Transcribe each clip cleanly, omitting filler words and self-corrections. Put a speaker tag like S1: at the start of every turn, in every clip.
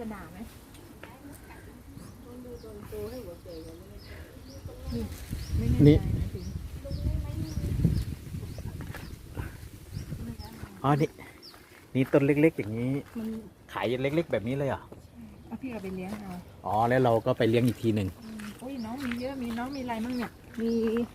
S1: จะด่าไหม
S2: นี่อ๋อนี่ต้นเล็กๆอย่างนี้ขายเล็กๆแบบนี้เลยเหรอ
S1: เอาพี่เอาไปเลี้ยงเอา
S2: อ๋อแล้วเราก็ไปเลี้ยงอีกทีหนึ่ง
S1: อุ้ยน้องมีเยอะมีน้องมีอะไรมั่งเนี่ยมี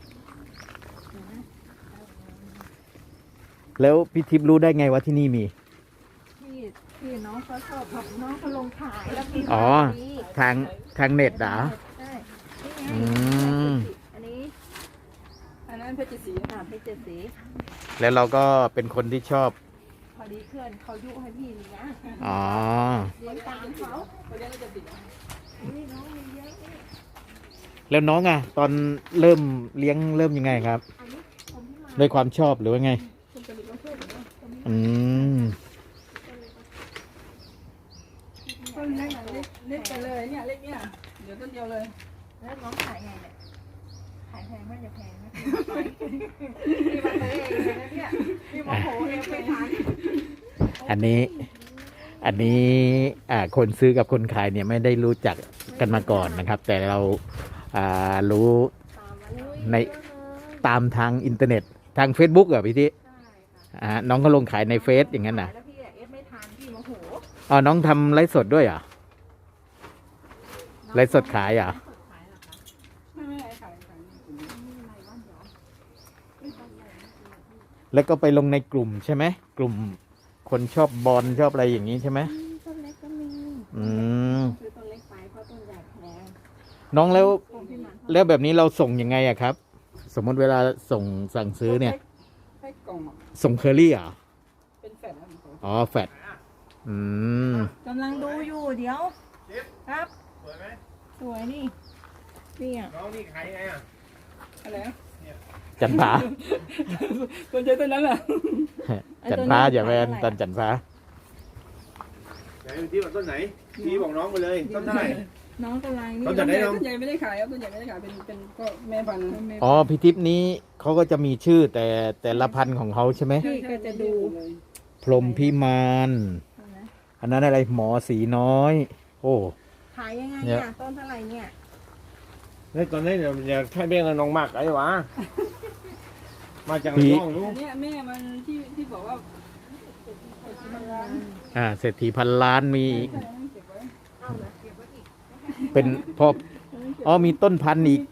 S2: แล้วพี่ทิพย์รู้ได้ไงว่าที่นี่มี
S1: พี่น้องเขาชอบน้องเขาลงขายแล้วพี่
S2: อ๋อทางเน็ตเหรอ
S1: ใช่อันนี้อันนั้นเพชรศรีเพชรศรี
S2: แล้วเราก็เป็นคนที่ชอบ
S1: พอดีเพื่อนเขายุให้พี่นี่นะ
S2: อ๋อ
S1: เลี้ยงตามเขาเลี้ยงจะติดนี่น้องมีเยอะ
S2: แล้วน้องอ่ะตอนเริ่มเลี้ยงเริ่มยังไงครับด้วยความชอบหรือว่าไงอืม
S1: ต้นเล็กไปเลยเนี่ยเล็กเนี่ยเดี๋ยวต้นเดียวเลยแล้วน้องขายไงเนี่ยขายแพงไม่จะแพงนะพี่มาเลยเองนะเนี่ยพี่มาโหเองไปทาน
S2: อันนี้คนซื้อกับคนขายเนี่ยไม่ได้รู้จักกันมาก่อนนะครับแต่เรารู้ในตามทางอินเทอร์เน็ตทาง Facebook เหรอพี่ที่น้องก็ลงขายในเฟซอย่างนั้นนะ
S1: แล้วพี่เอฟไม่ทานพี่โมโห
S2: อ๋อน้องทำไลฟ์สดด้วยเหรอไลฟ์สดขายเหรอ
S1: ไม่ขาย
S2: แล้วก็ไปลงในกลุ่มใช่ไหมกลุ่มคนชอบบอลชอบอะไรอย่างนี้ใช่ไหม
S1: ต้นเล็กก็มีคือต้นเล็กไปเพราะต้นใหญ่แพง
S2: น้องแล้วแบบนี้เราส่งยังไงอะครับสมมติเวลาสั่งซื้อเนี่ยส่งเคอรี่เหรอ
S1: เป็นแฟด
S2: อ๋อแฟด
S1: กำลังดูอยู่เดี๋ยวครับสวยไหมสวยนี่น้องนี่ขายไงอ่ะอะไร
S2: จันฟ้า
S1: ต้นใจต้นนั้นแหละ
S2: จันฟ้าอย่าแวนต้นจันฟ้า
S3: ไหนที่บอกต้นไหนที่บอกน้องไปเลยต้นเท่าไหร่
S1: น้องกำลังนี่
S3: ต้นใหญ่
S1: ไม่ได้ขายครับต้นใหญ่ไม่ได้ขายเป็นก็แม่พันธุ์
S2: อ๋อพี่ทิพย์นี้เขาก็จะมีชื่อแต่ละพันธุ์ของเขาใช่ไหม
S1: พี่ก็จะดู
S2: พรหมพิมานอันนั้นอะไรหมอสีน้อยโอ้
S1: ขายยังไงเนี่ยต้นเท่าไหร่เนี่ย
S3: แล้วตอนนี้อยากให้เบี้ยน้องมากไอ้วะมาจากน้องลูก
S1: เนี่ยแม่มันที่บอกว่า
S2: เศรษฐีพันล้านมีเป็นพออ๋อมีต้นพันธุ์อีก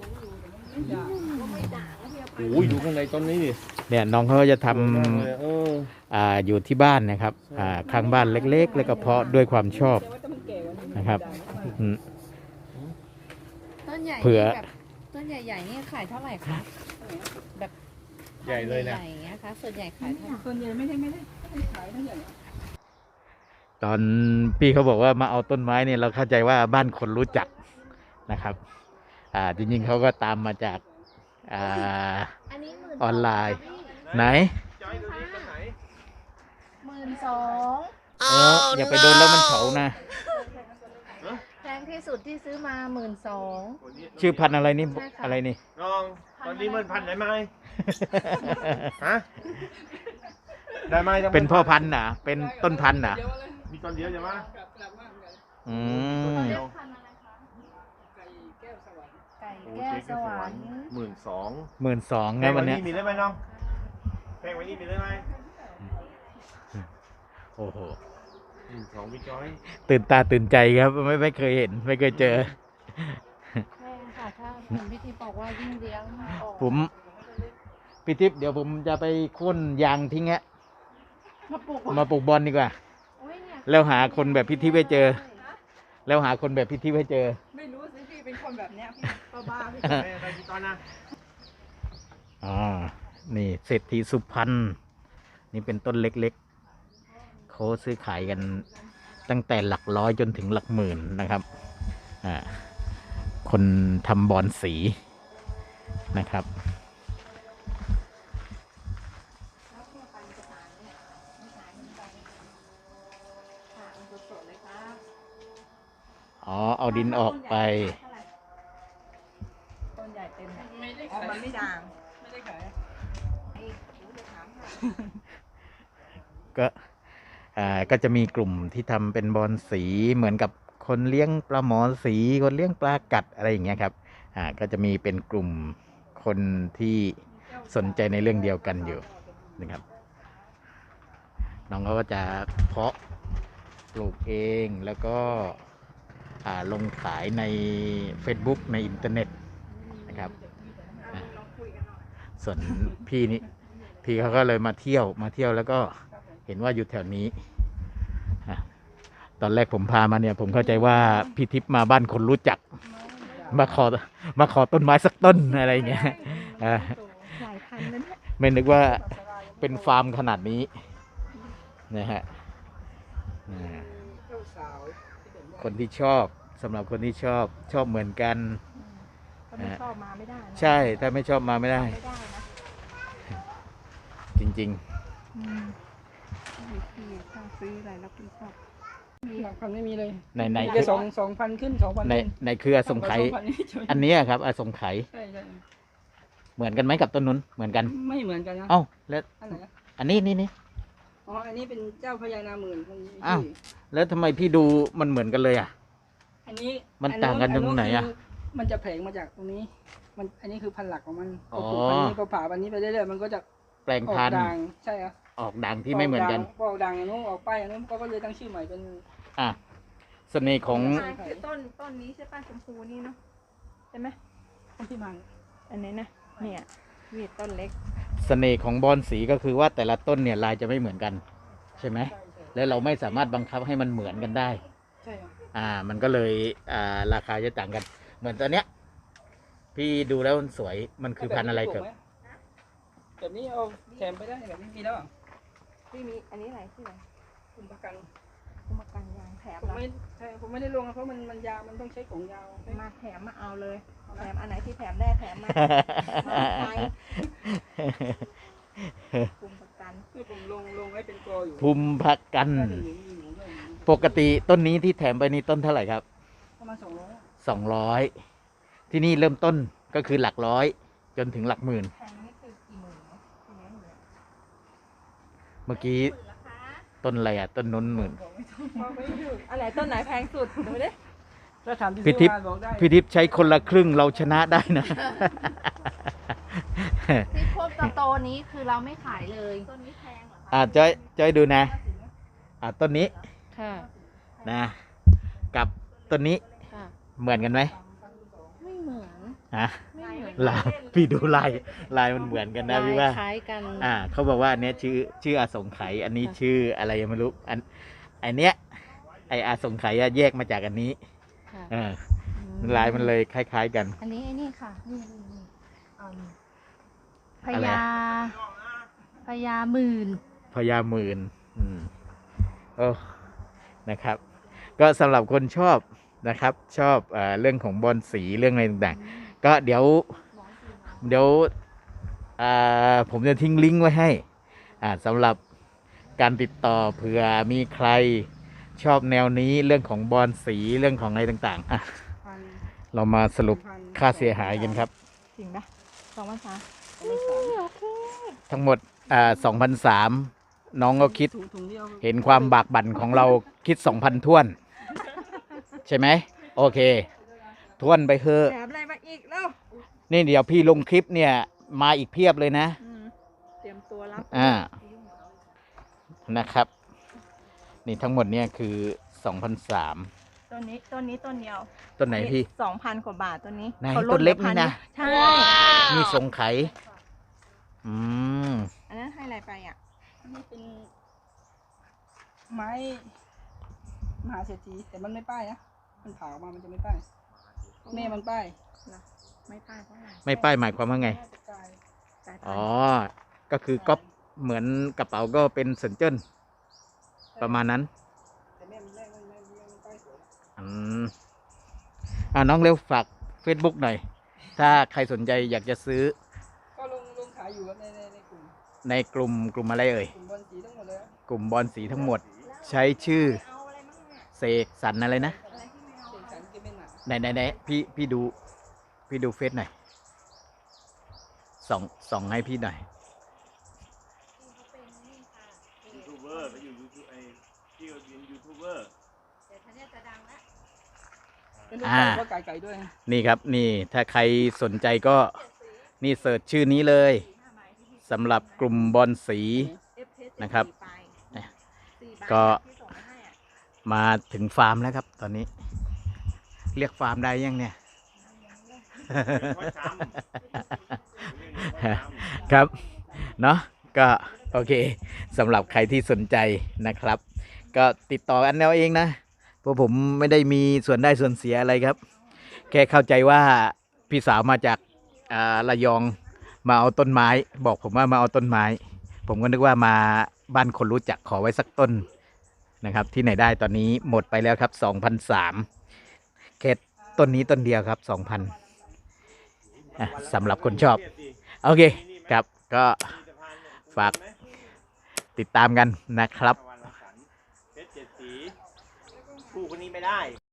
S3: โอ้ยดูข้างในต้นนี้ดิ
S2: เนี่ยน้องเขาจะทำอยู่ที่บ้านนะครับข้างบ้านเล็กๆแล้วก็เพาะด้วยความชอบนะครับ
S1: ต้นใหญ่แบบต้นใหญ่ๆนี่ขายเท่าไหร่คะแบบ
S3: ใหญ่เลยนะ
S1: อย่างเงี้ยคะส่วนใหญ่ขายเท่าไหร่ส่วนใหญ่ไม่ได้ขายเท่าไหร่
S2: ตอนพี่เขาบอกว่ามาเอาต้นไม้เนี่ยเราเข้าใจว่าบ้านคนรู้จักนะครับจริงๆเขาก็ตามมาจากออนไลน์ไหน
S1: 12,000
S2: อย่าไปโดนแล้วมันเฉานะ
S1: แพงที่สุดที่ซื้อมา12,000
S2: ชื่อพันธุ์อะไรนี่อะไรนี่
S3: น้องตอนนี้มันพันธุ์ได้ไหมฮะได้ไหม
S2: เป็นพ่อพันธุ์นะเป็นต้นพันธุ์นะ
S3: มีต้นเดียวใช่ไหม
S1: ไก่แก้วสวรรค์
S3: 12,000
S2: นะวันนี้
S3: มีได้ไหมน้องแพงกว่านี้มีได้ไหม
S2: โอ้โห
S3: 12พี่จ้อย
S2: ตื่นตาตื่นใจครับไม่เคยเห็นไม่เคยเจอ
S1: แพงค่ะถ้าคุณพี่ทิพย์บอกว่ายิ่งเลี้ยง
S2: ผมพี่ทิพย์เดี๋ยวผมจะไปค้นยางทิ้งฮะมาปลูกบอลดีกว่าแล้วหาคนแบบพี่ทิพย์ให้เจอแล้วหาคนแบบพี่ทิพย์ให้เจอ
S1: ไม่รู้สิพี่เป็นคนแบบเนี้ยพี่บ้าพี่
S3: ไปกี่ตอนนะ
S2: นี่เศรษฐีสุพรรณนี่เป็นต้นเล็กๆเขาซื้อขายกันตั้งแต่หลักร้อยจนถึงหลักหมื่นนะครับคนทำบอลสีนะครับเอาดินออกไป
S1: ต้นใหญ่เต็มไม่ได้ขายมันไม่ด่างไม่ได้ขาย
S2: ก็ก็จะมีกลุ่มที่ทำเป็นบอลสีเหมือนกับคนเลี้ยงปลาหมอสีคนเลี้ยงปลากัดอะไรอย่างเงี้ยครับก็จะมีเป็นกลุ่มคนที่สนใจในเรื่องเดียวกันอยู่นะครับน้องเขาก็จะเพาะปลูกเองแล้วก็ลงขายใน Facebook ในอินเทอร์เน็ตนะครับส่วนพี่เขาก็เลยมาเที่ยวแล้วก็เห็นว่าอยู่แถวนี้ตอนแรกผมพามาเนี่ยผมเข้าใจว่าพี่ทิพย์มาบ้านคนรู้จักมาขอต้นไม้สักต้นอะไรอย่างเงี้ย
S1: หลายพันนั้น
S2: ไม่นึกว่าเป็นฟาร์มขนาดนี้นะฮะคนที่ชอบสำหรับคนที่ชอบเหมือนกัน
S1: ถ้าไม่ชอบมาไม่ได้นะ
S2: ใช่ถ้าไม่ชอบมาไม่ได้
S1: ไม่ได้นะ
S2: จริง
S1: พี่ถ้าซื้ออะไรแล้วพี่ชอบมีหลักพันไม่มีเลย
S2: ๆใน
S1: แค่2,000ขึ้น2,000
S2: ในเครือสงไขอันนี้ครับสงไข
S1: ใช่
S2: เหมือนกันไหมกับต้นนุ้นเหมือนกัน
S1: ไม่เหมือนกันนะ
S2: เอ้าแล้ว
S1: อันไหน
S2: อันนี้นี่
S1: อ๋ออันนี้เป็นเจ้าพญานาหมื่นคนนี้
S2: อ้าวแล้วทำไมพี่ดูมันเหมือนกันเลยอ่ะ
S1: อันนี้
S2: มันต่างกันตรงไหนอะ
S1: มันจะแผงมาจากตรงนี้อันนี้คือพันธุ์หลักของมัน
S2: อ๋อ
S1: พอปลูกพันธุ์นี้พอผ่าพันธุ์นี้ไปเรื่อยๆมันก็จะ
S2: แปลง
S1: ออก
S2: พันธุ์
S1: ด่างใช่ครับ
S2: ออกด่างที่ไม่เหมือนกัน
S1: พอออกด่างอย่างนู้นออกป้ายอย่างนู้นก็เลยตั้งชื่อใหม่เป็น
S2: เสน่ห์ของ
S4: คือต้นนี้ใช่ป่ะชมพูนี่เนาะใช่ไหม
S1: ต้นที่มัน
S4: อันนี้นะเนี่ยมีต้นเล็ก
S2: เสน่ห์ของบอนสีก็คือว่าแต่ละต้นเนี่ยลายจะไม่เหมือนกันใช่ไหมแล้วเราไม่สามารถบังคับให้มันเหมือนกันได้
S1: ใช่ครับ
S2: มันก็เลยราคาจะต่างกัน เหมือนตัวเนี้ยพี่ดูแล้วมันสวยมันคือพันธุ์อะไรครับ
S1: แบบนี้เอาแถมไปได้แบบนี้มีแล้วอ่ะ
S4: ที่มีอันนี้อะไรที่ไหน
S1: คุณประกัน
S4: กุมกันยางแถม
S1: ผม
S4: ละ
S1: ไม่ใช่ผมไม่ได้ลงนะเพราะมันยาวมันต้องใช้ของยาว
S4: มาแถมมาเอาเลยแถมอันไหนที่แถมได้แถมมาใช้กุมประกัน
S1: คือผมลงไว้เป็นกออยู่
S2: ภูมิพักกัน
S1: น่าจะอยู่มีหนูด้วย
S2: ปกติต้นนี้ที่แถมไปนี่ต้นเท่าไหร่ครับ
S1: ประมาณ200
S2: 200ที่นี่เริ่มต้นก็คือหลักร้อยจนถึงหลักหมื่น
S4: แพงนี่คือกี่หมื่นเนาะทีนี้เหลือ
S2: เมื่อกี้ต้นอะไรต้นนนหมื่น
S4: อะไรต้นไหนแพงสุดดูดิ
S1: ถ้าถามที่
S2: พี่
S1: ซื้
S2: ทิ
S1: อ
S2: พย์
S1: มาบอกได้
S2: พี่ทิพย์ใช้คนละครึ่งเราชนะได้นะ
S4: ที่พวกโตนี้คือเราไม่ขายเลยต้นนี้แพงเหรอคะ
S2: จ้อยดูนะต้นนี้
S4: ค่ะ
S2: นะกับต้นนี้
S4: ค่ะ
S2: เหมือนกันไหม
S4: ไม่เหมือน
S2: ฮะ
S4: ไม่เหมือน
S2: ลายพี่ดูลายมันเหมือนกันนะพี่ว่า
S4: คล้ายกัน
S2: เขาบอกว่าอันเนี้ยชื่ออาสงไขยอันนี้ชื่ออะไรยังไม่รู้อันเนี้ยไออาสงไขยแยกมาจากอันนี้
S4: ค่ะ
S2: ลายมันเลยคล้ายๆกัน
S4: อันนี้ไอ้นี่ค่ะนี่พ
S2: อะไร
S4: ญาพญาหมื่น
S2: พญาหมื่นโอ้นะครับ ก็สำหรับคนชอบนะครับชอบเรื่องของบอลสีเรื่องอะไรต่างๆก็เดี๋ยวผมจะทิ้งลิงก์ไว้ให้สำหรับการติดต่อเผื่อมีใครชอบแนวนี้เรื่องของบอลสีเรื่องของอะไรต่างๆเรามาสรุปค่าเสียหายกันครับ
S4: จริงปะ2,300โอเค
S2: ทั้งหมด2,300น้องก็คิด
S1: ถุงเดียว
S2: เห็นความบากบั่นของเราคิด 2,000ท้วน ใช่ไหมโอเคท้วนไปเถอะ
S4: แถมอะไรมาอีกแล้ว
S2: นี่เดี๋ยวพี่ลงคลิปเนี่ยมาอีกเพียบเลยนะ
S4: เตรียมตัวรับ
S2: นะครับ นี่ทั้งหมดเนี่ยคือ2,300
S4: ต้นนี้ต้นเดียว
S2: ต้นไหนพี่
S4: 2,000 กว่าบาทต้นนี้
S2: ไหน
S4: ขา
S2: ต้นเล็กนี่นะ
S4: ใช่
S2: มีสงไข
S4: อันนั้นให้อะไรไปอ่ะ
S1: อันนี้เป็นไม้มหาเศรษฐีแต่มันไม่ป้ายนะมันผ่าออกมามันจะไม่ป้ายแม่มันป้าย
S4: ไม่ป้ายเพราะอะไร
S2: ไม่ป้ายหมายความว่าไง
S1: น่าจะกลาย
S4: สายพันธุ์
S2: อ๋อ ก็คือก๊อปเหมือนกระเป๋าก็เป็นเซินเจิ้นประมาณนั้น
S1: แต่แม่มันป้ายสวย
S2: น้องเร็วฝาก Facebook หน่อย ถ้าใครสนใจอยากจะซื้อ
S1: ก็ลงขายอยู่ครับในกลุ่ม
S2: ในกลุ่มอะไรเอ่ย
S1: กลุ่มบอลสีทั้งหมดเลยครับ
S2: กลุ่มบอลสีทั้งหมด ใช้ชื่อ
S4: เอาอะไรบ้างเนี่ย
S2: เสกสรรอะไรนะ
S4: อะไรที่ไม่เอา
S1: เสกสรรเกมเป็นหนา
S2: ไหนพี่ดูเฟซหน่อยส่องให้พี่หน่อย
S4: เขาเป็นนี่ค่ะ
S3: ยูทูบเบอร์ไปอยู่ยูทูบ
S1: เป็นลูกไก่ก็ไก่ด้วย
S2: นี่ครับนี่ถ้าใครสนใจก็นี่เสิร์ชชื่อนี้เลยสำหรับกลุ่มบอลสีนะครับก็ มาถึงฟาร์มแล้วครับตอนนี้ เรียกฟาร์มได้ยังเนี่ย ครับเนาะก็โอเคสำหรับใครที่สนใจนะครับ ก็ติดต่อกันเอาเองนะเพราะผมไม่ได้มีส่วนได้ส่วนเสียอะไรครับ แค่เข้าใจว่าพี่สาวมาจากระยองมาเอาต้นไม้ บอกผมว่ามาเอาต้นไม้ ผมก็นึกว่ามาบ้านคนรู้จักขอไว้สักต้นนะครับ ที่ไหนได้ตอนนี้หมดไปแล้วครับ 2,300แค่ต้นนี้ต้นเดียวครับ 2,000สำหรับคนชอบโอเคครับก็ฝากติดตามกันนะครับ
S3: เพชร7 สีคู่คนนี้ไม่ได้